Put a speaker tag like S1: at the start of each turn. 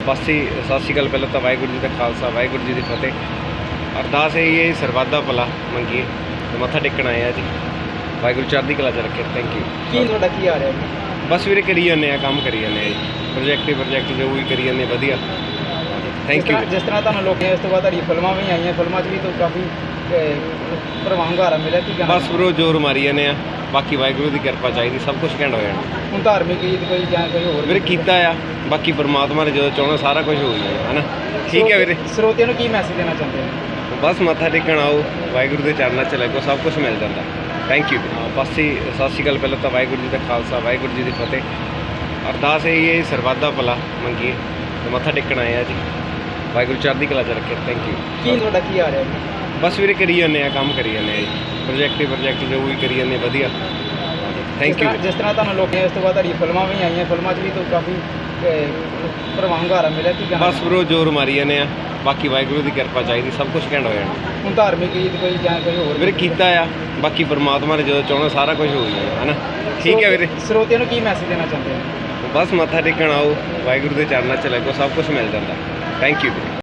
S1: ਬਸ ਹੀ ਸਤਿ ਸ਼੍ਰੀ ਅਕਾਲ। ਪਹਿਲਾਂ ਤਾਂ ਵਾਹਿਗੁਰੂ ਜੀ ਦਾ ਖਾਲਸਾ ਵਾਹਿਗੁਰੂ ਜੀ ਦੀ ਫਤਿਹ। ਅਰਦਾਸ ਇਹੀ ਹੈ ਸਰਬੱਤ ਦਾ ਭਲਾ ਮੰਗੀਏ ਤੇ ਮੱਥਾ ਟੇਕਣ ਆਏ ਆ ਜੀ। ਵਾਹਿਗੁਰੂ ਚੜ੍ਹਦੀ ਕਲਾ 'ਚ ਰੱਖੇ। Thank you.
S2: ਕੀ ਤੁਹਾਡਾ ਕੀ ਆ ਰਿਹਾ ਜੀ?
S1: ਬਸ ਵੀਰੇ ਕਰੀ ਜਾਂਦੇ ਆ, ਕੰਮ ਕਰੀ ਜਾਂਦੇ ਆ ਜੀ। ਪ੍ਰੋਜੈਕਟ ਜੋ ਵੀ ਕਰੀ ਜਾਂਦੇ ਵਧੀਆ। Thank you.
S2: ਜਿਸ ਤਰ੍ਹਾਂ ਤੁਹਾਨੂੰ ਲੋਕਾਂ ਇਸ ਤੋਂ ਬਾਅਦ ਤੁਹਾਡੀ ਫਿਲਮਾਂ ਵੀ ਆਈਆਂ, ਫਿਲਮਾਂ 'ਚ ਵੀ ਤਾਂ ਕਾਫੀ ਭਰਵਾਂ ਹੁੰਗਾਰਾ ਮਿਲਿਆ। ਕੀ ਕਹਿਣਾ?
S1: ਬਸ ਬਰੋ ਜ਼ੋਰ ਮਾਰੀ ਜਾਂਦੇ ਆ, ਬਾਕੀ ਵਾਹਿਗੁਰੂ ਦੀ ਕਿਰਪਾ ਚਾਹੀਦੀ, ਸਭ ਕੁਝ ਘੈਂਟ ਹੋ ਜਾਣਾ।
S2: ਹੁਣ ਧਾਰਮਿਕ ਗੀਤ ਕੋਈ ਜਾਂ ਕੋਈ ਹੋਰ
S1: ਵੀਰੇ ਕੀਤਾ ਆ, ਬਾਕੀ ਪਰਮਾਤਮਾ ਨੇ ਜਦੋਂ ਚਾਹਣਾ ਸਾਰਾ ਕੁਝ ਹੋ ਜਾਣਾ ਹੈ ਨਾ। ਠੀਕ ਹੈ ਵੀਰੇ।
S2: ਸਰੋਤਿਆਂ ਨੂੰ ਕੀ ਮੈਸੇਜ ਦੇਣਾ ਚਾਹੁੰਦੇ ਹੋ?
S1: ਬਸ ਮੱਥਾ ਟੇਕਣ ਆਓ, ਵਾਹਿਗੁਰੂ ਦੇ ਚਰਨਾਂ 'ਚ ਲੱਗੋ, ਸਭ ਕੁਝ ਮਿਲ ਜਾਂਦਾ। Thank you. ਬਸ ਹੀ ਸਤਿ ਸ਼੍ਰੀ ਅਕਾਲ। ਪਹਿਲਾਂ ਤਾਂ ਵਾਹਿਗੁਰੂ ਜੀ ਦਾ ਖਾਲਸਾ ਵਾਹਿਗੁਰੂ ਜੀ ਦੀ ਫਤਿਹ। ਅਰਦਾਸ ਇਹੀ ਹੈ ਸਰਬੱਤ ਦਾ ਭਲਾ ਮੰਗੀਏ ਤੇ ਮੱਥਾ ਟੇਕਣ ਆਏ ਆ ਜੀ। ਵਾਹਿਗੁਰੂ ਚੜ੍ਹਦੀ ਕਲਾ 'ਚ ਰੱਖੇ। Thank you.
S2: ਕੀ ਤੁਹਾਡਾ ਕੀ ਆ ਰਿਹਾ ਜੀ?
S1: ਬਸ ਵੀਰੇ ਕਰੀ ਜਾਂਦੇ ਆ, ਕੰਮ ਕਰੀ ਜਾਂਦੇ ਆ ਜੀ। ਪ੍ਰੋਜੈਕਟ ਜੋ ਵੀ ਕਰੀ ਜਾਂਦੇ ਵਧੀਆ। Thank you.
S2: ਜਿਸ ਤਰ੍ਹਾਂ ਤੁਹਾਨੂੰ ਲੋਕਾਂ ਇਸ ਤੋਂ ਬਾਅਦ ਤੁਹਾਡੀ ਫਿਲਮਾਂ ਵੀ ਆਈਆਂ, ਫਿਲਮਾਂ 'ਚ ਵੀ ਤਾਂ ਕਾਫੀ ਭਰਵਾਂ ਹੁੰਗਾਰਾ ਮਿਲਿਆ। ਕੀ ਕਹਿਣਾ?
S1: ਬਸ ਬਰੋ ਜ਼ੋਰ ਮਾਰੀ ਜਾਂਦੇ ਆ, ਬਾਕੀ ਵਾਹਿਗੁਰੂ ਦੀ ਕਿਰਪਾ ਚਾਹੀਦੀ, ਸਭ ਕੁਝ ਘੈਂਟ ਹੋ ਜਾਣਾ।
S2: ਹੁਣ ਧਾਰਮਿਕ ਗੀਤ ਕੋਈ ਜਾਂ ਕੋਈ ਹੋਰ
S1: ਵੀਰੇ ਕੀਤਾ ਆ, ਬਾਕੀ ਪਰਮਾਤਮਾ ਨੇ ਜਦੋਂ ਚਾਹਣਾ ਸਾਰਾ ਕੁਝ ਹੋ ਜਾਣਾ ਹੈ ਨਾ। ਠੀਕ ਹੈ ਵੀਰੇ।
S2: ਸਰੋਤਿਆਂ ਨੂੰ ਕੀ ਮੈਸੇਜ ਦੇਣਾ ਚਾਹੁੰਦੇ ਹੋ?
S1: ਬਸ ਮੱਥਾ ਟੇਕਣ ਆਓ, ਵਾਹਿਗੁਰੂ ਦੇ ਚਰਨਾਂ 'ਚ ਲੱਗੋ, ਸਭ ਕੁਝ ਮਿਲ ਜਾਂਦਾ। Thank you.